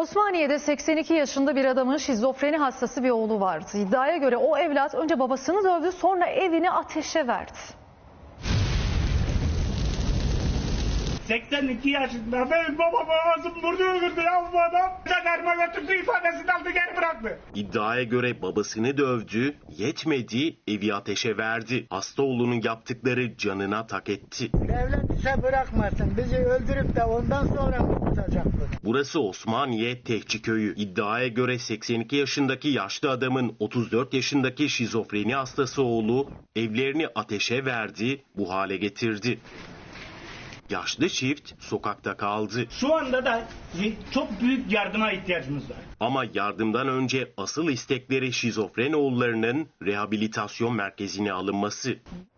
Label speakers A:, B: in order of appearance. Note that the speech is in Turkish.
A: Osmaniye'de 82 yaşında bir adamın şizofreni hastası bir oğlu vardı. İddiaya göre o evlat önce babasını dövdü, sonra evini ateşe verdi.
B: 82 yaşında benim babamı ağzım burnu öldürdü ya bu adam. Jandarma götürdü, ifadesini aldı, geri bıraktı.
C: İddiaya göre babasını dövdü, yetmedi, evi ateşe verdi. Hasta oğlunun yaptıkları canına tak etti.
D: Devlet bize bırakmasın. Bizi öldürüp de ondan sonra mı tutacak bunu?
C: Burası Osmaniye Tehciköy'ü. İddiaya göre 82 yaşındaki yaşlı adamın 34 yaşındaki şizofreni hastası oğlu evlerini ateşe verdi, bu hale getirdi. Yaşlı çift sokakta kaldı.
B: Şu anda da çok büyük yardıma ihtiyacımız var.
C: Ama yardımdan önce asıl istekleri şizofren oğullarının rehabilitasyon merkezine alınması.